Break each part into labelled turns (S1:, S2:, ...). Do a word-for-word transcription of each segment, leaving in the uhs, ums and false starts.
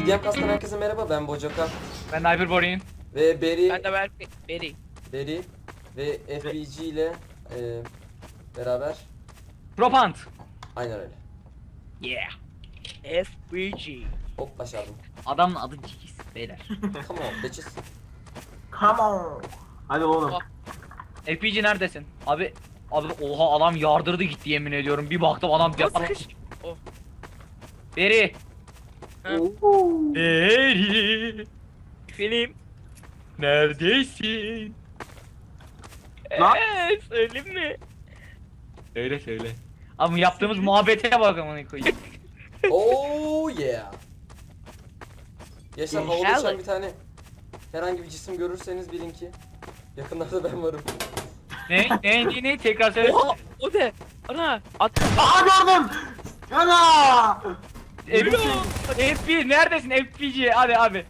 S1: Gamecast'tan herkese merhaba, ben Bojoka
S2: Ben Hyperborean.
S1: ve Beri,
S3: Ben de Berk Beri.
S1: Beri ve F B G ile e, beraber.
S2: Propant.
S1: Aynen öyle.
S2: Yeah.
S3: F B G.
S1: Hop başardım.
S2: Adamın adı Cikiz beyler.
S1: Come on bitches.
S4: Come on. Hadi oğlum.
S3: Oh.
S2: F P G neredesin? Abi abi oha adam yardırdı gitti yemin ediyorum. Bir baktım adam
S3: O sıkış. Oh.
S2: Beri.
S3: Ha.
S2: Beri.
S3: Film.
S2: Neredesin?
S4: Lan.
S3: Eee söyleyeyim mi?
S2: Söyle söyle. Abi yaptığımız muhabbete bak amına koyayım.
S1: Oh yeah. Yaşar, havada uçan
S3: İnşallah.
S1: bir tane herhangi bir cisim görürseniz bilin ki yakınlarda ben varım.
S2: ne ne ne ne tekrar söyle.
S3: Oha o de. Ana at.
S4: Aa gördüm. Ana.
S2: F P neredesin F P G? Hadi abi.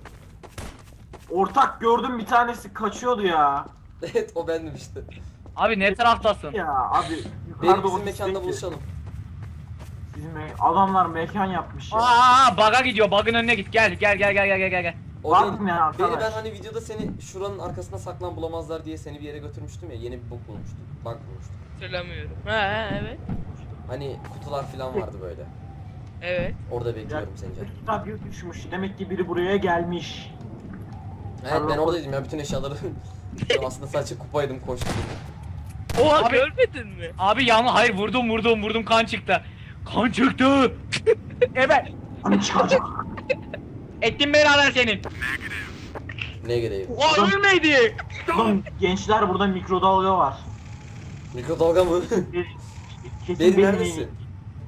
S4: Ortak gördüm, bir tanesi kaçıyordu ya.
S1: Evet, o bendim işte.
S2: Abi ne taraftasın?
S4: Ya abi
S1: Beri
S4: yukarıda
S1: bizim
S4: ofisteki-
S1: mekanda buluşalım.
S4: Bizim me- adamlar mekan yapmış ya.
S2: Aa bug'a gidiyor. Bug'ın önüne git. Gel gel gel gel gel gel gel.
S1: O
S4: Var
S1: değil.
S4: mı ya arkadaş?
S1: Beri ben hani videoda seni şuranın arkasına saklan bulamazlar diye seni bir yere götürmüştüm ya, yeni bir bok bulmuştum. Bug bulmuştum.
S3: Hatırlamıyorum. Ha, ha evet.
S1: Hani kutular falan vardı böyle.
S3: Evet.
S1: Orada bekliyorum seni canım.
S4: Kitap yok düşmüş. Demek ki biri buraya gelmiş.
S1: Evet, ben oradaydım ya, bütün eşyaları ben aslında sadece kupaydım, koştum.
S3: Oha
S2: Abi-
S3: görmedin mi?
S2: Abi yanlış hayır vurdum vurdum vurdum kan çıktı. Kan çıktı. Evet.
S4: Hani çıkacak.
S2: Ettim beraber senin.
S1: Ne gereği?
S2: O ölmedi.
S4: Oğlum gençler, burada mikrodalga var.
S1: Mikrodalga mı?
S4: Bir- Kesin
S1: Beri
S4: benim
S1: neredesin?
S4: yeğenim.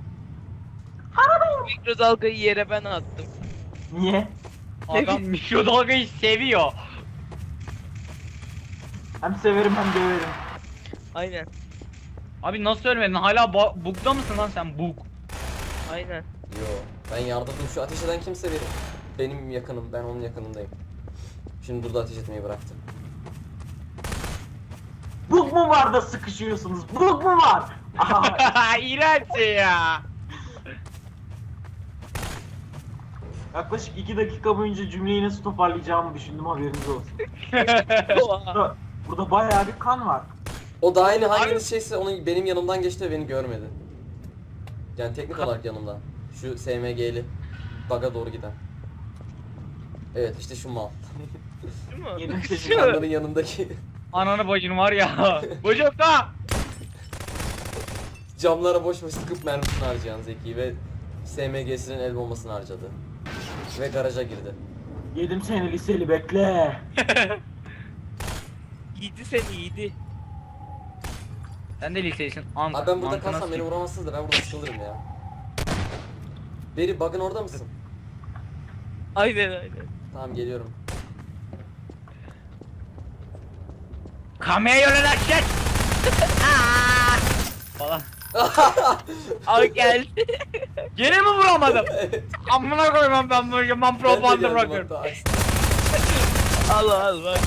S3: Mikrodalgayı yere ben attım.
S4: Niye?
S2: Adam mikrodalgayı seviyor.
S4: Hem severim hem döverim.
S3: Aynen.
S2: Abi nasıl ölmedin? Hala ba- bug'da mısın lan sen bug?
S3: Aynen.
S1: Yo, ben yardırdım. Şu ateş eden kimse benim. Benim yakınım, ben onun yakınındayım. Şimdi durdu, ateş etmeyi bıraktı.
S4: Bug mu var da sıkışıyorsunuz? Bug mu var? Aha,
S2: İğrenç ya.
S4: yaklaşık iki dakika boyunca cümleyi nasıl toparlayacağımı düşündüm, haberiniz olsun.
S3: Oha.
S4: Burada, burada bayağı bir kan var.
S1: O da aynı hanginiz şeyse onun benim yanımdan geçti ve beni görmedi. Yani teknik olarak yanımda. Şu S M G'li bug'a doğru giden. Evet, işte şu mal.
S3: Değil mi?
S4: Yedim seni.
S3: Şu.
S1: Onların yanındaki
S2: Ananı bacın var ya. Bocukta.
S1: camlara boş boş sıkıp mermisini harcayan Zeki ve S M G'sinin el bombasını harcadı. Ve garaja girdi.
S4: Yedim seni liseli, bekle.
S3: Yedi seni yedi.
S2: Sen de liseysin. An
S1: Abi ben burada
S2: mantığına
S1: kalsam beni
S2: sikeyim.
S1: vuramazsınız da ben burada sıkılırım ya. Beri, bug'ın orada mısın?
S3: Aynen aynen.
S1: Tamam, geliyorum.
S2: Kameye yöneler shit. Aa! Falan.
S3: Ay geldi.
S2: Gene mi vuramadım? Amına koymam ben bu yaman
S1: Ben de
S2: propaganda
S1: geldim
S2: bırakıyorum.
S1: hatta.
S3: al al bak.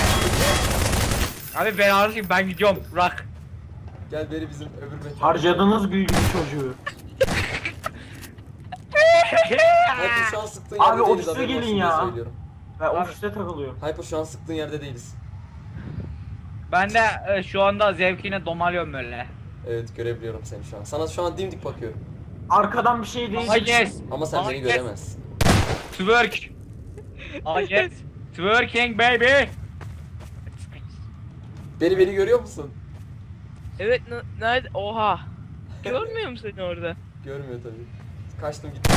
S2: Abi ben artık ben gidiyorum. Bırak.
S1: Gel Beri, bizim öbür mekan.
S4: Harcadınız büyük bir çocuğu.
S1: Hyper, şu an sıktığın yerde
S4: Abi,
S1: değiliz,
S4: ofise
S1: haberin
S4: gelin
S1: olsun diye
S4: ya.
S1: söylüyorum.
S4: Ve
S2: Abi.
S4: ofiste takılıyorum.
S1: Hyper, şu an sıktığın yerde değiliz.
S2: Ben de e, şu anda zevkine domalıyorum böyle.
S1: Evet, görebiliyorum seni şu an. Sana şu an dimdik bakıyorum.
S4: Arkadan bir şey değil.
S2: I yes.
S1: Ama sen
S2: I
S1: beni
S2: yes.
S1: göremezsin.
S2: Twerk. I yes. Twerking baby.
S1: Beni beni görüyor musun?
S3: Evet n- nerede? Oha. Görmüyor musun seni orada?
S1: Görmüyor tabii. Kaçtım gittim.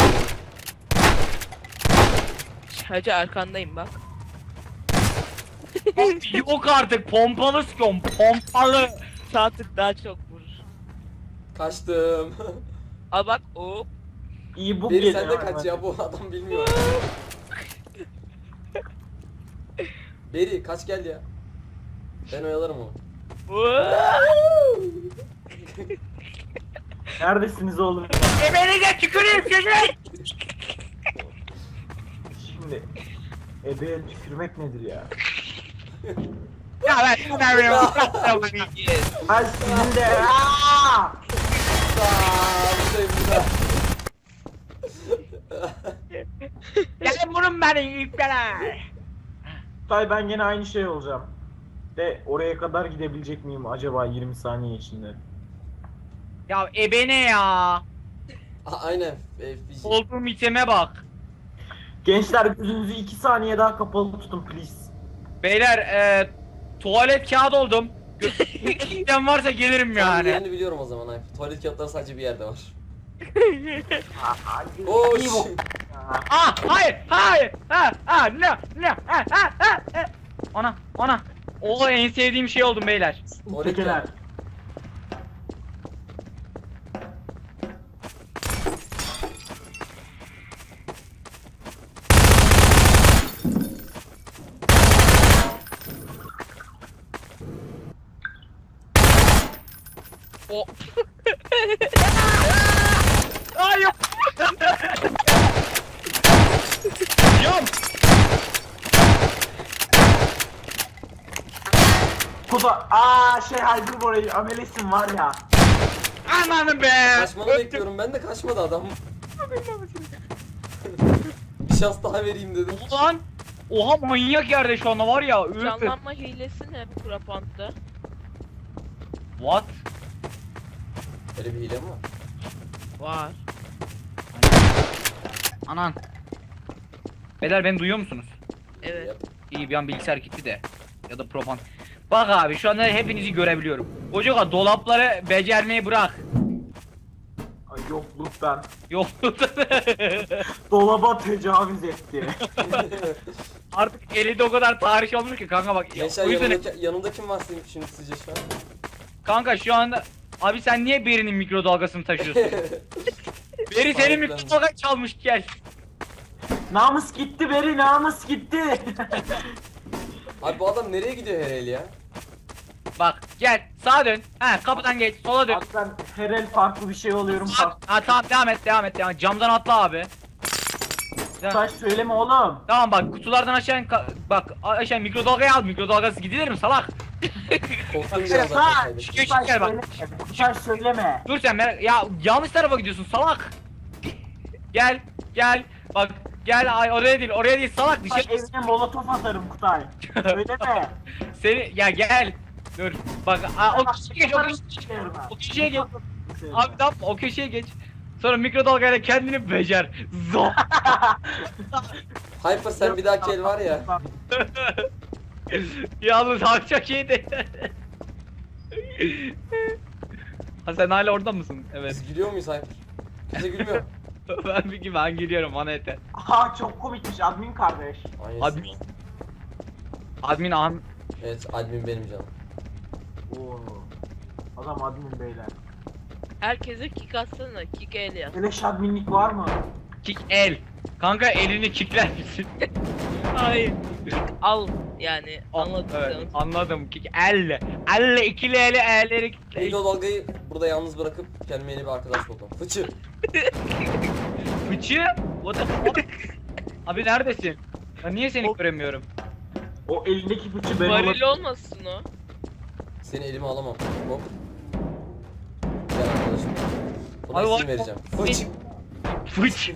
S3: Hacı arkandayım bak.
S2: Yok artık pompalı sıkıyorum. Pompalı.
S3: Sağ tık daha çok vurur.
S1: Kaçtım.
S3: Al bak o.
S4: İyi bug
S1: Beri
S4: geliyor.
S1: sen de kaç ya, bu adam bilmiyor. Beri kaç, gel ya. Ben oyalarım onu.
S4: Neredesiniz oğlum?
S2: Ebenize tüküreyim sizi.
S4: Şimdi ebeye tükürmek nedir ya?
S2: Ya ben istemiyorum.
S4: Ay sizin de. Aa!
S1: Aa, buradayım burada.
S2: Senin iptaler.
S4: Tay ben gene aynı şey olacağım. De oraya kadar gidebilecek miyim acaba yirmi saniye içinde?
S2: Ya ebene ya.
S1: A- Aynen. F B G.
S2: Olduğum iteme bak.
S4: Gençler gözünüzü iki saniye daha kapalı tutun please.
S2: Beyler e, tuvalet kağıdı oldum. Giden varsa gelirim
S1: Tamam,
S2: yani.
S1: yerini biliyorum o zaman Alp. Tuvalet kağıtları sadece bir yerde var.
S4: Hadi.
S1: Oş.
S4: İyi bu.
S2: Ah hayır hayır ha ha ne ne ha ha ha ha. Ana ana. O en sevdiğim şey oldum beyler.
S1: Tuvalet
S4: Tekeler.
S1: kağıdı.
S3: O
S2: Ay yok. Yum.
S4: Kuda. Aa şey Haydar orayı amelesin var ya.
S2: Ananı be.
S1: Kaçmanı bekliyorum ben de kaçmadı adam. Bir şans daha vereyim dedim.
S2: Ulan. Oha manyak yerde şu anda var ya. Üf.
S3: canlanma hilesi ne Frapant'ta?
S2: What?
S1: Öyle bir hile mi var?
S3: Var.
S2: Anan. Beyler beni duyuyor musunuz?
S3: Evet.
S1: Yap.
S2: İyi bir an bilgisayar gitti de. Ya da propan. Bak abi şu anda hepinizi görebiliyorum. Koca dolapları becermeyi bırak.
S4: Ay yokluk ben.
S2: Yok.
S4: Dolaba tecavüz etti.
S2: Artık elinde o kadar tarih olmuş ki kanka bak. Ya,
S1: Gençler
S2: o yüzden
S1: yanımda, yanımda kim var senin şimdi sizce şu an?
S2: kanka şu anda abi sen niye Beri'nin mikrodalgasını taşıyorsun? Beri senin
S1: Sahiplendim.
S2: mikrodalga çalmış gel.
S4: Namus gitti Beri, namus gitti.
S1: Abi bu adam nereye gidiyor her el ya?
S2: Bak gel sağa dön. Ha kapıdan geç sola dön.
S4: Bak ben her el farklı bir şey oluyorum.
S2: Ha, ha tamam devam et devam et devam et. Camdan atla abi. Devam-
S4: Taş söyleme oğlum.
S2: Tamam bak kutulardan aşağı in, ka- bak a- aşağı mikrodalgayı al mikrodalgası gidilir mi salak?
S1: Korktum biraz zaten
S4: Taş,
S1: kaybettim.
S2: Geç,
S4: taş
S2: gel bak.
S4: söyleme. Taş söyleme.
S2: Dur sen merak ya yanlış tarafa gidiyorsun salak. Gel gel bak gel ay oraya değil oraya değil salak bir
S4: Taş
S2: şey.
S4: evine molotof atarım Kutay. Söyleme.
S2: Seni ya gel. Dur bak a, o köşeye geç o köşeye, o köşeye geç. Abi ne yapma o köşeye geç. Sonra mikrodalgayla kendini becer. Zor.
S1: Hyper sen bir dahaki el var ya.
S2: Yalnız abi çok iyiydi. Ha sen hala orada mısın? Evet.
S1: Biz gülüyor muyuz Hyper? Bize gülmüyor.
S2: ben bir gibi ben gülüyorum bana yeter.
S4: Aha çok komikmiş admin kardeş.
S1: Aynen.
S2: Admin. Admin am
S1: Evet admin benim canım.
S4: Oo. Adam admin beyler.
S3: Herkese kick atsana. Kick el yap.
S4: Beleş adminlik var mı?
S2: kick el. Kanka elini kickler misin?
S3: Hayır. Kick al yani. Anladın
S2: Evet,
S3: sen.
S2: anladım kick elle. Elle ikili eli elleri
S1: Mikro dalgayı burada yalnız bırakıp kendime yeni bir arkadaş buldum. Fıçı.
S2: Fıçı? What the fuck? Abi neredesin? Ben niye seni
S3: O-
S2: göremiyorum?
S4: O elindeki fıçı ben
S3: Varil
S4: olabilirim.
S3: olmasın o.
S1: Seni elime alamam. Hop. Gel arkadaşım. Buna
S2: Abi
S1: isim
S2: var-
S1: vereceğim. Fıç.
S2: Fıç.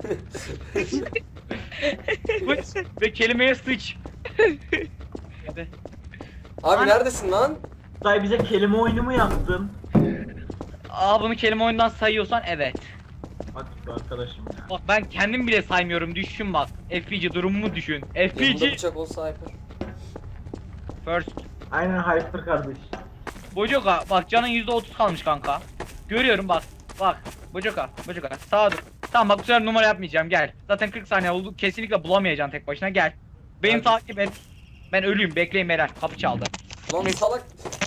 S2: Fıç. Ve kelimeye sıç. Hadi.
S1: Abi
S2: Lan-
S1: neredesin lan?
S4: Kutay bize kelime oyunu mu yaptın?
S2: Aa bunu kelime oyundan sayıyorsan evet.
S4: Hadi be arkadaşım ya.
S2: Bak ben kendim bile saymıyorum düşün bak. F P G durumumu düşün. F P
S1: Yanımda
S2: G
S1: bıçak olsa Hyper.
S2: first.
S4: Aynen hyper kardeş.
S2: Bojoka bak canın yüzde otuz kalmış kanka. Görüyorum bak. Bak. Bojoka. Bojoka. Sağa dur. Tamam bak bu sefer numara yapmayacağım gel. Zaten kırk saniye oldu. Kesinlikle bulamayacaksın tek başına gel. Beni
S1: Hadi.
S2: takip et. Ben ölüyüm bekleyin beyler. Kapı çaldı.
S1: Lan salak.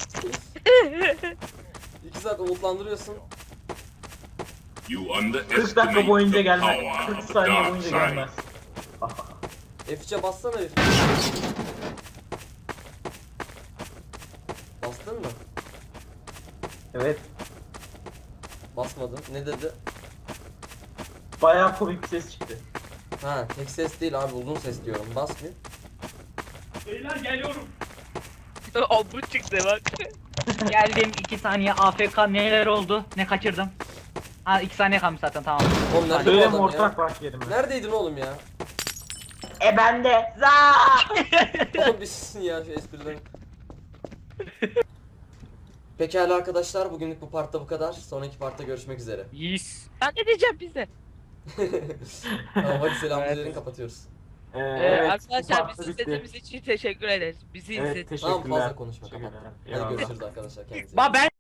S1: İki saat umutlandırıyorsun.
S5: You
S4: kırk
S5: underestimate
S4: dakika boyunca
S5: the
S4: gelmez.
S5: power
S4: kırk
S5: of the
S4: saniye
S5: dark
S4: boyunca
S5: side.
S4: gelmez.
S1: F üç'e bassana F. Bastın mı?
S4: Evet.
S1: Basmadın. Ne dedi?
S4: Bayağı komik bir ses çıktı.
S1: Ha tek ses değil abi uzun ses diyorum. Bas bir.
S2: Beyler geliyorum.
S3: O bu çıktı bak.
S2: Geldim iki saniye A F K neler oldu? Ne kaçırdım? Ha iki saniye kalmış zaten tamam.
S1: Oğlum nerede bu
S4: Söyleme
S1: adam ya?
S4: ortak bak yerime.
S1: Neredeydin oğlum ya?
S4: E bende. Za.
S1: Oğlum bir susun ya şu esprileri. Pekala arkadaşlar, bugünlük bu partta bu kadar. Sonraki partta görüşmek üzere.
S2: Yes.
S3: Sen ne diyeceğim bize?
S1: Tamam hadi selamünaleyküm,
S2: Evet.
S1: kapatıyoruz.
S4: Ee,
S3: Ee,
S4: evet, bu
S3: arkadaşlar
S4: parti
S3: bizi
S4: bitti.
S3: izlediğiniz için teşekkür ederiz. Bizi
S4: Evet
S3: izlediğiniz
S4: teşekkürler.
S1: Tamam fazla konuşma,
S4: Teşekkürler.
S1: kapat. Hadi
S4: Eyvallah.
S1: görüşürüz arkadaşlar, kendinize iyi
S2: Ba
S1: bakın.
S2: ben